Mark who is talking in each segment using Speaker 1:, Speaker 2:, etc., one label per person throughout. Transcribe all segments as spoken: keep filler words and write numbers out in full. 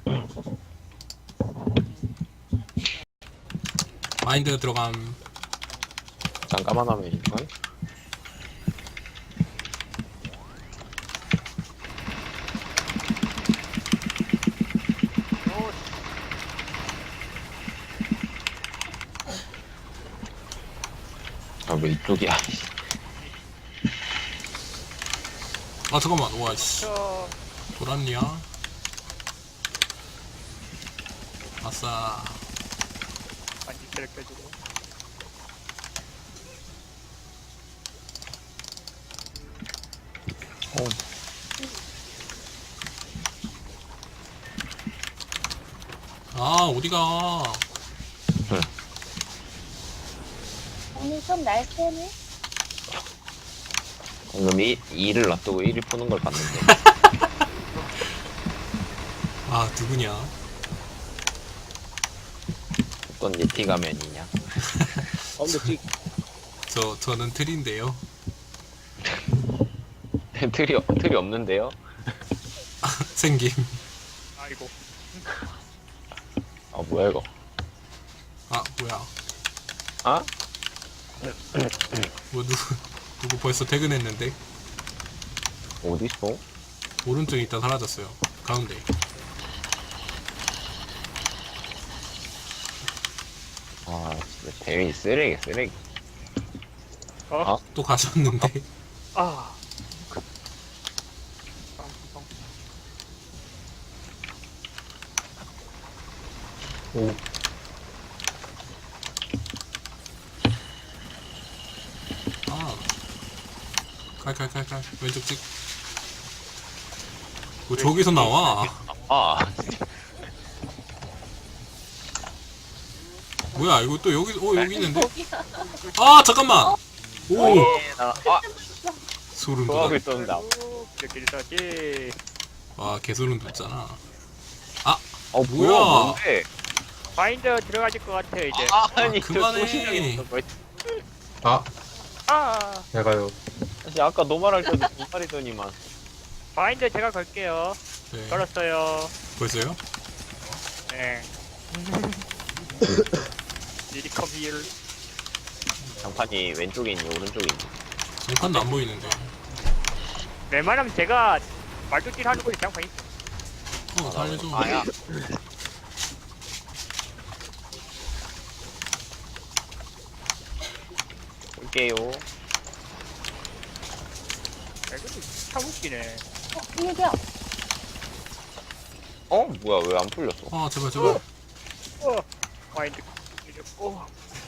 Speaker 1: 마인드 들어감.
Speaker 2: 잠깐만 하면 이건? 아, 왜 이쪽이야?
Speaker 1: 아 잠깐만. 와씨.
Speaker 3: 저
Speaker 1: 돌았냐? 아싸.
Speaker 3: 반지를 껴주고.
Speaker 2: 어,
Speaker 1: 아 어디가?
Speaker 4: 오늘 좀 날쌔네.
Speaker 2: 방금 이, 이를 놔두고 일을 푸는 걸 봤는데.
Speaker 1: 아 누구냐?
Speaker 2: 어떤 예티 가면이냐?
Speaker 5: 아 근데 지
Speaker 1: 저 저는 틀인데요.
Speaker 2: 틀이, 없- 틀이 없는데요?
Speaker 1: 생김.
Speaker 3: 아이고.
Speaker 2: 아, 뭐야, 이거?
Speaker 1: 아 뭐야?
Speaker 2: 아?
Speaker 1: 뭐 누구 누구 벌써 퇴근했는데
Speaker 2: 어딨어?
Speaker 1: 오른쪽에 있다 사라졌어요. 가운데.
Speaker 2: 아, 진짜 대위 쓰레기, 쓰레기.
Speaker 3: 어?
Speaker 2: 아?
Speaker 1: 또 가셨는데.
Speaker 3: 아. 뻥, 뻥.
Speaker 5: 오.
Speaker 1: 아. 칼칼칼칼 왼쪽 찍. 뭐 저기서 나와?
Speaker 2: 아,
Speaker 1: 뭐야 이거 또 여기 어 여기 있는데?
Speaker 4: 거기야.
Speaker 1: 아 잠깐만. 오
Speaker 2: 나, 아,
Speaker 1: 소름
Speaker 2: 소화기
Speaker 1: 돋아.
Speaker 2: 쏜다.
Speaker 3: 오, 이렇게 일사지.
Speaker 1: 와 개소름 돋잖아.
Speaker 2: 어,
Speaker 1: 뭐야?
Speaker 2: 뭐야, 뭔데?
Speaker 3: 바인더 들어가질 것 같아 이제.
Speaker 2: 아,
Speaker 1: 아,
Speaker 2: 아니,
Speaker 1: 그만해.
Speaker 2: 저 소신형이 있어. 뭐,
Speaker 5: 아
Speaker 3: 아.
Speaker 5: 내가요.
Speaker 2: 사실 아까 노말할 때도 두 마리더니만.
Speaker 3: 바인더 제가 걸게요.
Speaker 1: 네.
Speaker 3: 걸었어요.
Speaker 1: 벌써요?
Speaker 3: 네. 리리컴 힐.
Speaker 2: 장판이 왼쪽에 있니, 오른쪽에 있니?
Speaker 1: 장판도 안 보이는데.
Speaker 3: 웬만하면 제가 말뚝질 하는 거지 장판 있어.
Speaker 1: 어 살려줘.
Speaker 2: 아야. 볼게요.
Speaker 3: 야, 이것도 참 웃기네.
Speaker 4: 어, 비밀이야.
Speaker 2: 어? 뭐야, 왜 안 풀렸어?
Speaker 1: 아 제발 제발.
Speaker 3: 어. 바인드. 오.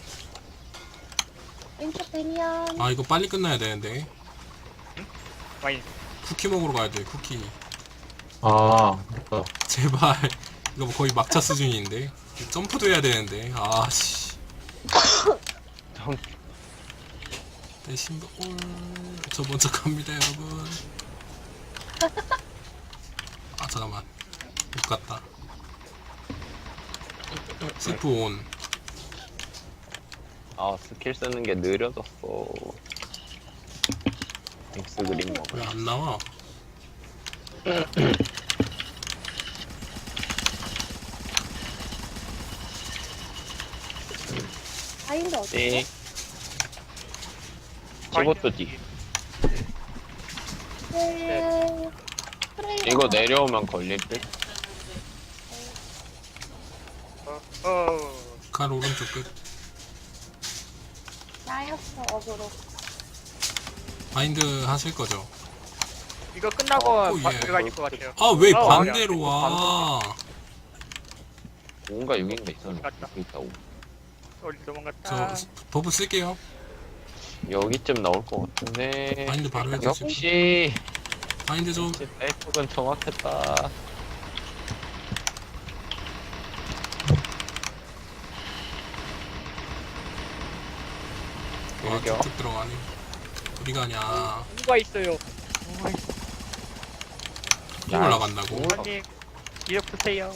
Speaker 4: 왼쪽 데미안.
Speaker 1: 아 이거 빨리 끝나야 되는데.
Speaker 3: 바인드.
Speaker 1: 쿠키 먹으러 가야 돼. 쿠키.
Speaker 5: 아 맞다.
Speaker 1: 제발. 이거 뭐 거의 막차 수준인데. 점프도 해야 되는데. 아씨.
Speaker 2: 점-
Speaker 1: 내 신발. 올. 저 먼저 갑니다 여러분. 아 잠깐만. 못 갔다. 스프 온.
Speaker 2: 아, 스킬 쓰는 게 느려졌어. 엑스 그림 먹어.
Speaker 1: 왜 안 나와?
Speaker 4: 바인드 어디?
Speaker 2: 네. 저것도 뒤.
Speaker 4: 네. 프레이.
Speaker 2: 이거 내려오면 걸릴 듯?
Speaker 3: 어. 어.
Speaker 1: 칼 오른쪽 끝.
Speaker 4: 나였어 어그로.
Speaker 1: 마인드 하실 거죠?
Speaker 3: 이거 끝나고
Speaker 1: 어,
Speaker 3: 바,
Speaker 1: 예.
Speaker 3: 들어가질 것 같아요.
Speaker 1: 아 왜
Speaker 3: 어,
Speaker 1: 반대로
Speaker 3: 아니야.
Speaker 1: 와?
Speaker 2: 뭔가 여긴가 있었는데.
Speaker 3: 맞다.
Speaker 2: 여기 있다고.
Speaker 3: 어디 도망갔다.
Speaker 1: 저 버프 쓸게요.
Speaker 2: 여기쯤 나올 것 같은데.
Speaker 1: 마인드 바로 해주시고.
Speaker 2: 역시.
Speaker 1: 마인드 좀.
Speaker 2: 셀프는 정확했다.
Speaker 1: 와
Speaker 2: 여기요.
Speaker 1: 쭉쭉 들어가네. 어디 가냐?
Speaker 3: 누가 있어요?
Speaker 1: 또 올라간다고?
Speaker 2: 뭐?
Speaker 3: 아니 기억 주세요.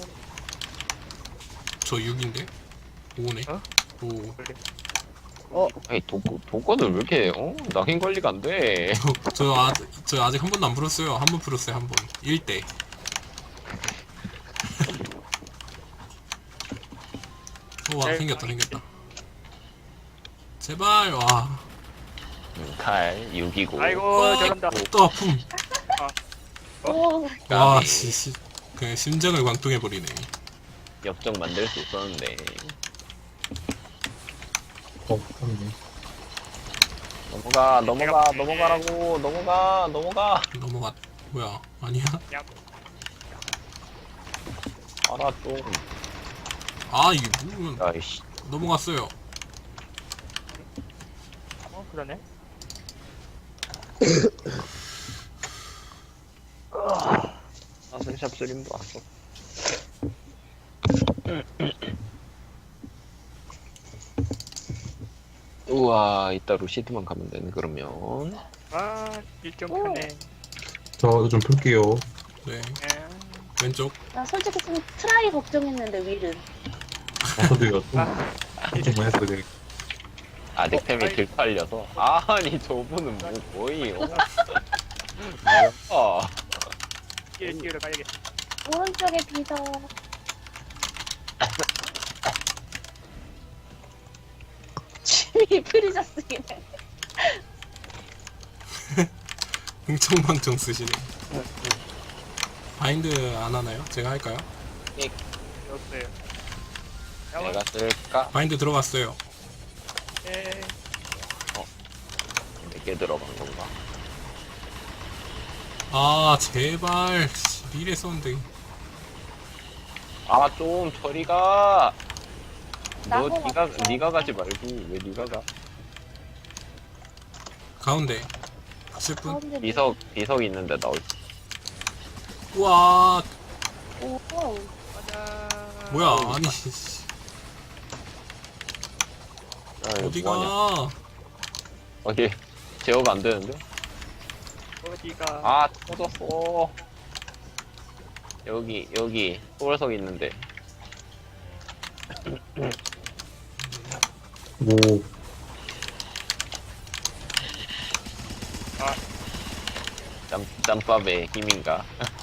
Speaker 1: 저 육인데? 오네.
Speaker 3: 어?
Speaker 1: 오.
Speaker 3: 그래.
Speaker 2: 아니, 독, 독거는 왜 이렇게, 어? 낙인 관리가 안 돼.
Speaker 1: 저, 저, 아직, 저 아직 한 번도 안 풀었어요. 한 번 풀었어요, 한 번. 일 대. 우와
Speaker 3: 네,
Speaker 1: 생겼다 생겼다. 제발 와.
Speaker 2: 음, 칼 육이고.
Speaker 3: 아이고
Speaker 1: 어,
Speaker 3: 저런다.
Speaker 1: 또 아픔.
Speaker 4: 오,
Speaker 1: 와
Speaker 2: 까비.
Speaker 1: 씨, 씨. 그냥 심장을 광통해 버리네.
Speaker 2: 역정 만들 수 있었는데.
Speaker 5: 어, 네.
Speaker 2: 넘어가 넘어가
Speaker 3: 내가-
Speaker 2: 넘어가라고 넘어가 넘어가.
Speaker 1: 넘어갔. 뭐야 아니야?
Speaker 2: 알아 좀.
Speaker 1: 아 이게 뭐
Speaker 2: 아이씨.
Speaker 1: 넘어갔어요.
Speaker 3: 어 그러네.
Speaker 2: 아 스샷 쓰림도 왔어. 우와 이따 루시드만 가면 되네 그러면.
Speaker 3: 아 일정
Speaker 4: 오.
Speaker 3: 편해.
Speaker 5: 저 좀 풀게요.
Speaker 1: 네
Speaker 3: 예.
Speaker 1: 왼쪽.
Speaker 4: 나 솔직히 좀 트라이 걱정했는데 윌은.
Speaker 5: 저도요. 좀
Speaker 3: 아,
Speaker 5: 걱정만 했어요. 되게.
Speaker 2: 아직
Speaker 3: 어,
Speaker 2: 템이
Speaker 3: 아이.
Speaker 2: 딜팔려서. 아니 저분은 뭐 뭐예요? 뭐야?
Speaker 3: 끼를 끼우러 가야겠어.
Speaker 4: 오른쪽에 비서. 취미 프리저스기네.
Speaker 1: 흥청망청 쓰시네. 바인드 안 하나요? 제가 할까요?
Speaker 3: 없어요.
Speaker 2: 내가 쓸까?
Speaker 1: 바인드 들어갔어요.
Speaker 3: 예.
Speaker 2: 몇 개 들어간 건가?
Speaker 1: 아 제발 미래 썼는데.
Speaker 2: 아 좀 저리가. 너
Speaker 4: 나도
Speaker 2: 니가
Speaker 4: 왔어.
Speaker 2: 니가 가지 말고 왜 니가 가?
Speaker 1: 가운데. 십 분.
Speaker 4: 가운데
Speaker 2: 비석 비석 있는데 나올.
Speaker 1: 우와
Speaker 4: 오,
Speaker 3: 가자.
Speaker 1: 뭐야 아니 씨, 어디가?
Speaker 2: 뭐하냐? 어디 제어가 안 되는데?
Speaker 3: 어디가?
Speaker 2: 아 터졌어. 여기 여기 소울석 있는데.
Speaker 5: 오,
Speaker 2: 짬 짬밥의 힘인가?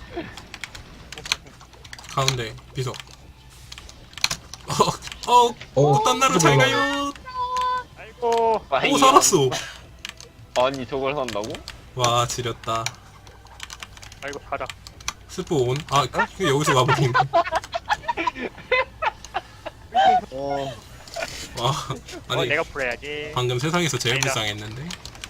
Speaker 1: 가운데 비석. 어어
Speaker 5: 어,
Speaker 1: 딴 나라 잘 가요.
Speaker 3: 아이고.
Speaker 1: 오 살았어.
Speaker 2: 아니 저걸 산다고?
Speaker 1: 와 지렸다.
Speaker 3: 아이고 가라.
Speaker 1: 스포 온. 아 그 여기서 와버린.
Speaker 5: 어,
Speaker 1: 와
Speaker 3: 어
Speaker 1: 아니
Speaker 3: 내가 풀어야지.
Speaker 1: 방금 세상에서 제일
Speaker 3: 아니다.
Speaker 1: 불쌍했는데.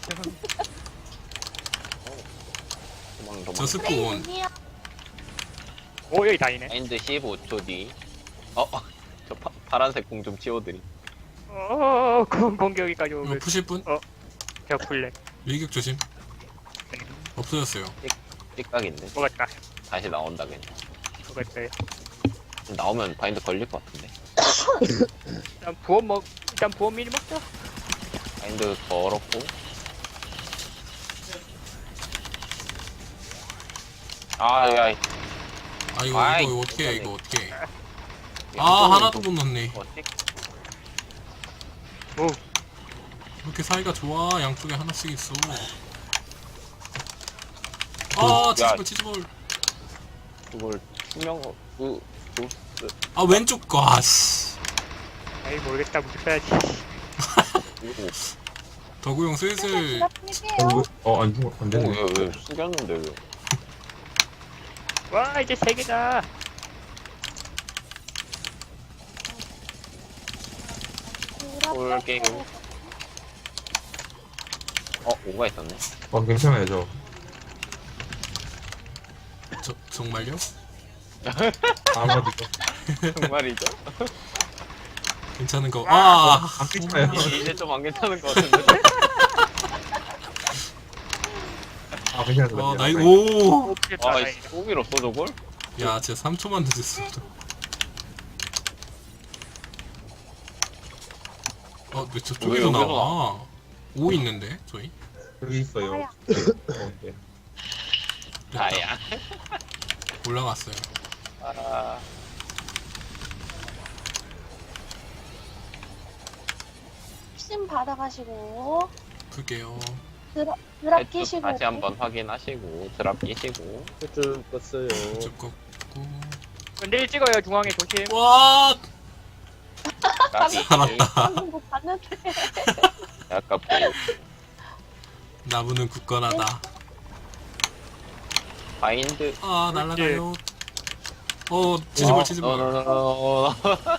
Speaker 2: 도망 도망.
Speaker 1: 저 스포
Speaker 4: 프레이
Speaker 1: 온.
Speaker 4: 눈이야.
Speaker 3: 오 여기 다이네.
Speaker 2: 마인드 십오 초 뒤. 어, 저 파, 파란색 공 좀 치워드리.
Speaker 3: 어 공- 공격이까지
Speaker 1: 이거
Speaker 3: 오면
Speaker 1: 푸실 분?
Speaker 3: 제가 풀래.
Speaker 1: 밀격 조심. 없어졌어요.
Speaker 2: 삐깍인데.
Speaker 3: 먹었다.
Speaker 2: 다시 나온다 그냥.
Speaker 3: 먹었어요.
Speaker 2: 나오면 바인드 걸릴 것 같은데.
Speaker 3: 일단 부원 먹. 일단 부원 미리 먹자.
Speaker 2: 바인드 걸었고. 아, 야,
Speaker 1: 아 이거
Speaker 2: 아이,
Speaker 1: 이거 어떻게 해 이거 어떻게 해. 아
Speaker 2: 양쪽으로
Speaker 1: 하나도
Speaker 2: 좀-
Speaker 1: 못 넣네.
Speaker 2: 어떻게?
Speaker 3: 오.
Speaker 1: 이렇게 사이가 좋아. 양쪽에 하나씩 있어. 아
Speaker 2: 야.
Speaker 1: 치즈볼 치즈볼.
Speaker 2: 그걸 투명, 그, 그, 그,
Speaker 1: 아 왼쪽 거. 아씨.
Speaker 3: 아이 모르겠다. 무슨
Speaker 2: 오,
Speaker 1: 더구용 슬슬.
Speaker 5: 어,
Speaker 4: 부탁드릴게요.
Speaker 5: 왜- 어, 안, 안
Speaker 2: 오,
Speaker 5: 되네.
Speaker 2: 왜, 왜, 숙였는데 왜?
Speaker 3: 와 이제 세 개다.
Speaker 2: 올 게임. 어, 오가 있었네.
Speaker 5: 어, 괜찮아요, 저.
Speaker 1: 저, 정말요?
Speaker 5: 아마도.
Speaker 2: 정말이죠?
Speaker 1: 괜찮은 거. 아,
Speaker 5: 안 괜찮아요.
Speaker 2: 이제, 이제 좀 안 괜찮은 것 같은데.
Speaker 5: 아, 괜찮아요.
Speaker 1: 아 나이 오.
Speaker 3: 오 필다
Speaker 2: 아,
Speaker 3: 다이네.
Speaker 2: 오밀 없어, 저걸?
Speaker 1: 야, 진짜 삼 초만 늦었어. 어, 왜 저쪽에서
Speaker 2: 왜 여기서
Speaker 1: 나와? 오 있는데 저희?
Speaker 5: 여기 있어요.
Speaker 4: 아야.
Speaker 5: 어, 네.
Speaker 1: 됐다.
Speaker 2: 아야.
Speaker 1: 올라갔어요.
Speaker 2: 아,
Speaker 4: 심 받아가시고
Speaker 1: 풀게요.
Speaker 4: 드랍 드랍
Speaker 2: 해투
Speaker 4: 끼시고.
Speaker 2: 다시 한번 확인하시고, 드랍 끼시고.
Speaker 5: 쭉 껐어요.
Speaker 1: 쭉 꺾고.
Speaker 3: 근데 찍어요 중앙에 조심.
Speaker 1: 와,
Speaker 2: 까비.
Speaker 1: 살았다.
Speaker 4: 방금 뭐 봤는데.
Speaker 2: 아깝고.
Speaker 1: 나무는 굳건하다.
Speaker 2: 바인드.
Speaker 1: 아 날라가요. 어 치즈볼 치즈볼.
Speaker 2: 어,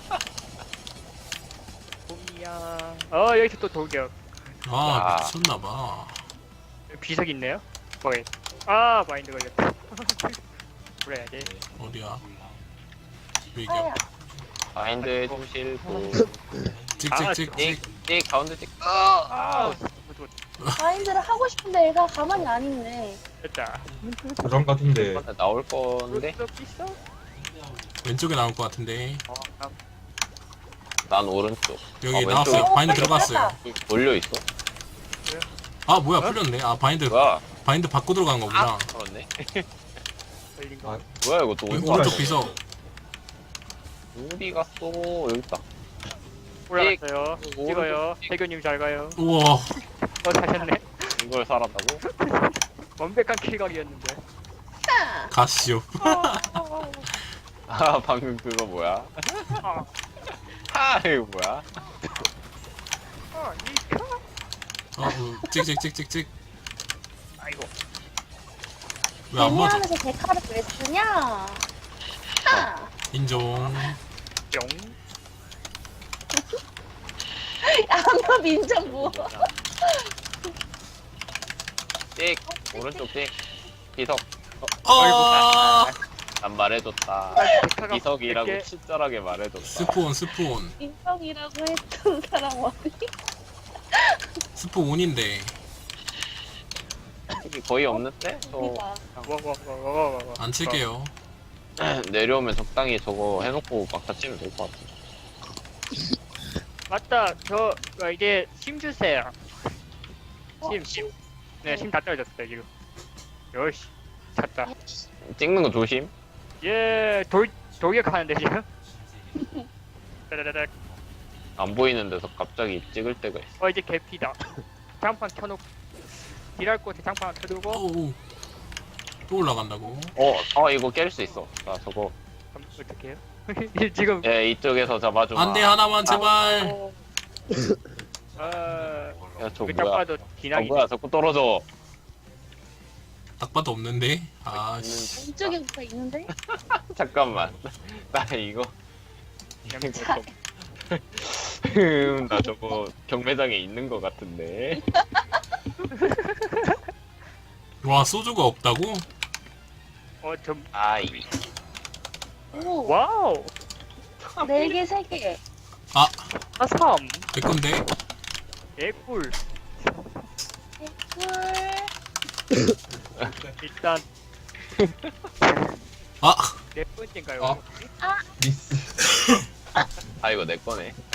Speaker 3: 봄이야. 어 여기서 또 돌격.
Speaker 1: 아
Speaker 2: 야.
Speaker 1: 미쳤나봐.
Speaker 3: 비석 있네요. 거기. 아 마인드 걸렸다. 그래야지.
Speaker 1: 어디야?
Speaker 4: 아야.
Speaker 1: 위기야.
Speaker 2: 바인드 해주실 분.
Speaker 1: 찍찍찍찍.
Speaker 2: 찍, 찍, 가운데 찍.
Speaker 3: 아
Speaker 4: 마인드를 하고 싶은데 얘가 가만히 안 있네.
Speaker 3: 됐다.
Speaker 5: 고정 같은데.
Speaker 2: 나올 건데?
Speaker 3: 또 있어?
Speaker 1: 왼쪽에 나올 것 같은데.
Speaker 3: 어, 아,
Speaker 2: 난 오른쪽.
Speaker 1: 여기
Speaker 2: 아, 왼쪽에
Speaker 1: 나왔어요.
Speaker 4: 어,
Speaker 1: 바인드
Speaker 4: 빨리
Speaker 1: 들어갔어요.
Speaker 2: 몰려 있어?
Speaker 1: 아 뭐야 풀렸네. 아 바인드
Speaker 2: 뭐야?
Speaker 1: 바인드 받고 들어간 거구나.
Speaker 2: 아, 그렇네.
Speaker 3: 걸린 거.
Speaker 5: 아,
Speaker 2: 뭐야 이거 또
Speaker 1: 여기
Speaker 2: 어디서
Speaker 1: 오른쪽
Speaker 2: 왔어?
Speaker 1: 비석.
Speaker 2: 어디 갔어? 여기 있다.
Speaker 3: 올라갔어요.
Speaker 2: 오른쪽
Speaker 3: 찍어요.
Speaker 2: 찍.
Speaker 3: 태교님 잘 가요.
Speaker 1: 우와.
Speaker 3: 어 사셨네.
Speaker 2: 이걸 살았다고?
Speaker 3: 완벽한 킬각이었는데.
Speaker 4: 아,
Speaker 1: 가시오.
Speaker 4: 어, 어,
Speaker 2: 아 방금 그거 뭐야?
Speaker 3: 아,
Speaker 2: 하 이거 뭐야?
Speaker 3: 아, 니카.
Speaker 1: 어, 어 찍찍찍찍찍.
Speaker 3: 아이고.
Speaker 1: 왜 안 맞아?
Speaker 4: 데미하면서 데카를 왜 쓰냐? 아,
Speaker 1: 인종.
Speaker 3: 뿅.
Speaker 4: 양념 민정 뭐?
Speaker 2: 찍 오른쪽 찍 비석.
Speaker 1: 아.
Speaker 2: 난 말해줬다.
Speaker 3: 데카가
Speaker 2: 비석이라고
Speaker 3: 이렇게-
Speaker 2: 친절하게 말해줬다.
Speaker 1: 스포온 스포온.
Speaker 4: 민정이라고 했던 사람 어디?
Speaker 1: 스포온인데.
Speaker 2: 여기 거의 없는데? 저
Speaker 4: 우리가
Speaker 3: 와와와와와.
Speaker 1: 안 칠게요.
Speaker 2: 내려오면 적당히 저거 해놓고 막타 치면 될 것 같아.
Speaker 3: 맞다. 저 어, 이제 심 주세요.
Speaker 4: 어,
Speaker 3: 심 심. 네, 심 다 떨어졌어요 지금. 요시. 찼다.
Speaker 2: 찍는 거 조심.
Speaker 3: 예, 돌 돌격하는데 지금. 따다다닥.
Speaker 2: 안 보이는 데서 갑자기 찍을 때가 있어.
Speaker 3: 어 이제 개피다. 장판 켜놓고 딜할 곳에 장판 하나 켜두고.
Speaker 1: 오우. 또 올라간다고.
Speaker 2: 어, 어 이거 깰 수 있어. 나 저거.
Speaker 3: 그럼 어떻게 해요? 지금
Speaker 2: 예, 이쪽에서 잡아줘.
Speaker 1: 안돼 하나만 제발.
Speaker 4: 어,
Speaker 3: 어.
Speaker 2: 야, 저
Speaker 3: 그딱
Speaker 2: 뭐야?
Speaker 3: 봐도
Speaker 2: 어,
Speaker 3: 기나기.
Speaker 2: 뭐야? 자꾸 떨어져.
Speaker 1: 딱 봐도 없는데. 아 씨.
Speaker 4: 왼쪽에 뭐가 있는데?
Speaker 2: 잠깐만. 나 이거.
Speaker 3: 얌차.
Speaker 2: 음, 나 저거 경매장에 있는 거 같은데.
Speaker 1: 와 소주가 없다고?
Speaker 3: 어좀
Speaker 2: 아이.
Speaker 4: 오,
Speaker 3: 와우.
Speaker 4: 네 개, 세 개.
Speaker 1: 아
Speaker 3: 아삼.
Speaker 1: 내 건데.
Speaker 3: 개꿀.
Speaker 4: 꿀.
Speaker 3: 일단
Speaker 1: 아
Speaker 3: 네 번째인가요?
Speaker 5: 아. 미스.
Speaker 2: 아 이거 내 거네.